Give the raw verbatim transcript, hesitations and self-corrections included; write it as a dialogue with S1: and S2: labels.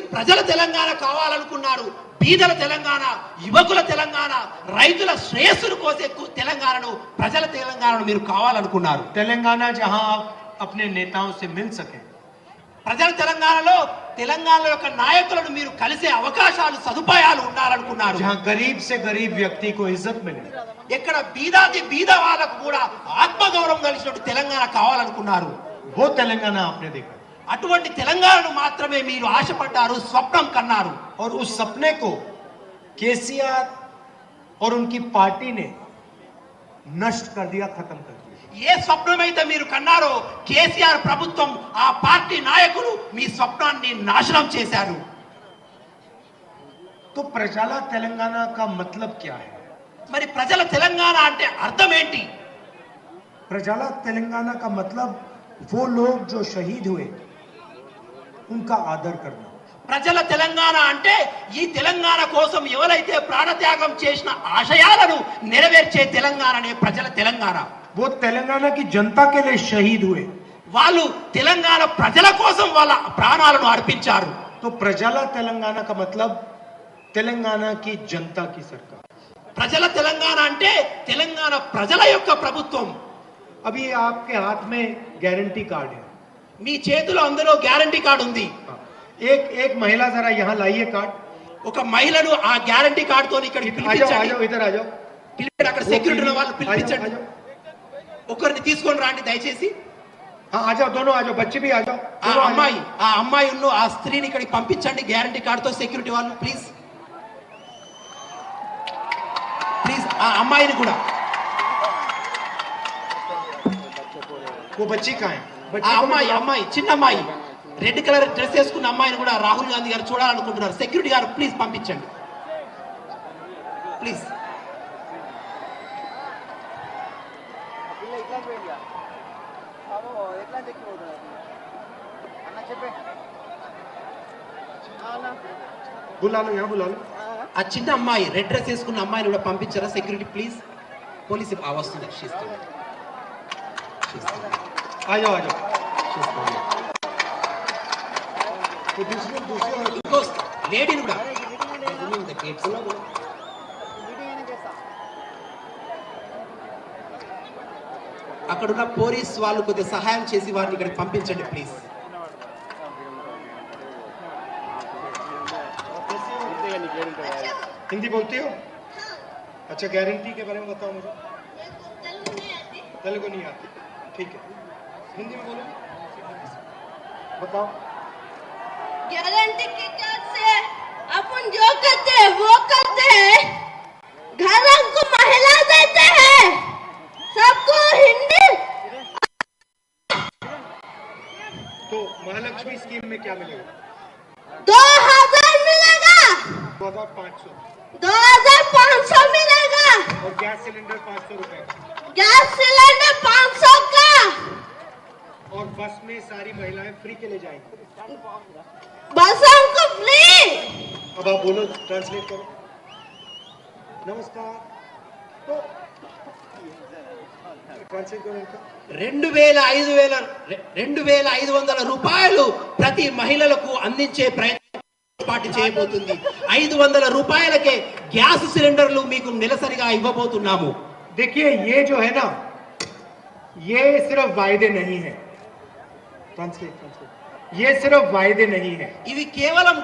S1: ప్రజల తెలంగాణ కావాలనుకున్నారు. బీదల తెలంగాణ, యువకుల తెలంగాణ, రైతుల శ్రేయస్సును కోసే తెలంగాణను, ప్రజల తెలంగాణను మీరు కావాలనుకున్నారు.
S2: तेलंगाना जहां आप अपने नेताओं से मिल सके,
S1: ప్రజల తెలంగాణలో తెలంగాణ యొక్క నాయకులను మీరు కలిసే అవకాశాలు, సదుపాయాలు ఉండాలనుకున్నారు.
S2: जहां गरीब से गरीब व्यक्ति को इज्जत मिले,
S1: ఎక్కడ బీదాది బీద వాళ్ళకు కూడా ఆత్మగౌరవం కలిసినట్టు తెలంగాణ కావాలనుకున్నారు.
S2: वो तेलंगाना आपने देखा
S1: అటువంటి తెలంగాణను మాత్రమే మీరు ఆశపడ్డారు, స్వప్నం కన్నారు.
S2: और उस सपने को केसीआर और उनकी पार्टी ने नष्ट कर दिया, खत्म कर दिया.
S1: ఏ స్వప్నమైతే మీరు కన్నారో కేసీఆర్ ప్రభుత్వం, ఆ పార్టీ నాయకులు మీ స్వప్నాన్ని నాశనం చేశారు.
S2: तो प्रजाला तेलंगाना का मतलब क्या है?
S1: మరి ప్రజల తెలంగాణ అంటే అర్థం ఏంటి?
S2: प्रजाला तेलंगाना का मतलब वो लोग जो शहीद हुए उनका आदर करना.
S1: ప్రజల తెలంగాణ అంటే ఈ తెలంగాణ కోసం ఎవరైతే ప్రాణత్యాగం చేసిన ఆశయాలను నెరవేర్చే తెలంగాణనే ప్రజల తెలంగాణ.
S2: वो तेलंगाना की जनता के लिए शहीद हुए.
S1: వాళ్ళు తెలంగాణ ప్రజల కోసం వాళ్ళ ప్రాణాలను అర్పించారు.
S2: तो प्रजाला तेलंगाना का मतलब तेलंगाना की जनता की सरकार.
S1: ప్రజల తెలంగాణ అంటే తెలంగాణ ప్రజల యొక్క ప్రభుత్వం.
S2: अभी आपके हाथ में गारंटी कार्ड है.
S1: మీ చేతిలో అందులో గ్యారంటీ కార్డు ఉంది.
S2: एक एक महिला जरा यहाँ लाइए कार्ड.
S1: ఒక మహిళను ఆ గ్యారంటీ కార్డుతో ఇక్కడికి
S2: आ जाओ आ
S1: పిలిపించండి.
S2: जाओ इधर आ जाओ.
S1: పిలిపించండి, అక్కడ సెక్యూరిటీ ఉన్న వాళ్ళు
S2: आ जाओ, आ
S1: పిలిపించండి.
S2: जाओ.
S1: ఒకరిని తీసుకొని రండి దయచేసి.
S2: हाँ आ जाओ, दोनों आ जाओ, बच्चे भी आ जाओ.
S1: ఆ
S2: दोनों आ जाओ.
S1: అమ్మాయి ఆ అమ్మాయి ఉన్న ఆ స్త్రీని ఇక్కడికి పంపించండి గ్యారంటీ కార్డుతో. సెక్యూరిటీ వాళ్ళు ప్లీజ్ ప్లీజ్ ఆ అమ్మాయిని కూడా.
S2: वो बच्ची कहाँ है?
S1: ఆ
S2: बच्ची को
S1: అమ్మాయి
S2: बुलाओ.
S1: అమ్మాయి చిన్న అమ్మాయి రెడ్ కలర్ డ్రెస్ వేసుకున్న అమ్మాయిని కూడా రాహుల్ గాంధీ గారు చూడాలనుకుంటున్నారు. సెక్యూరిటీ గారు ప్లీజ్ పంపించండి ప్లీజ్.
S2: बुला लो, यहाँ बुला लो.
S1: ఆ చిన్న అమ్మాయి రెడ్ డ్రెస్ వేసుకున్న అమ్మాయిని కూడా పంపించారా సెక్యూరిటీ ప్లీజ్. పోలీసు ఆ వస్తుంది. She's coming. She's coming.
S2: आ जाओ आ जाओ.
S1: She's coming.
S2: तो दूसरे दूसरे और-
S1: ఇంకో లేడీని కూడా Opening the gates. అక్కడున్న పోలీస్ వాళ్ళు కొద్దిగా సహాయం చేసి వారిని ఇక్కడికి పంపించండి ప్లీజ్.
S2: हिंदी बोलती हो? अच्छा, गारंटी के बारे में बताओ मुझे. तेलुगु नहीं आती. ठीक है, हिंदी में बोलो. बताओ.
S3: गारंटी के कैसे अपन जो करते हैं वो करते हैं. घर को महिला देते हैं, सबको हिंदी.
S2: तो महालक्ष्मी स्कीम में क्या मिलेगा?
S3: दो हजार मिलेगा,
S2: दो हजार पाँच सौ.
S3: दो हजार पाँच सौ मिलेगा.
S2: और गैस सिलेंडर पाँच सौ रुपए.
S3: गैस सिलेंडर पाँच सौ का.
S2: और बस में सारी महिलाएं फ्री के लिए जाएंगी.
S3: बस हमको फ्री.
S2: अब आप बोलो, ट्रांसलेट करो. नमस्कार. तो ट्रांसलेट करो इनका.
S1: రెండు వేల ఐదు వేల రెండు వేల ఐదు వందల రూపాయలు ప్రతి మహిళలకు అందించే ప్రయత్నం పార్టీ చేయబోతుంది. ఐదు వందల రూపాయలకే గ్యాస్ సిలిండర్లు మీకు నెలసరిగా ఇవ్వబోతున్నాము.
S2: देखिए, ये जो है ना, ये सिर्फ वायदे नहीं है. ट्रांसलेट ट्रांसलेट ये सिर्फ वायदे नहीं है.
S1: ఇవి కేవలం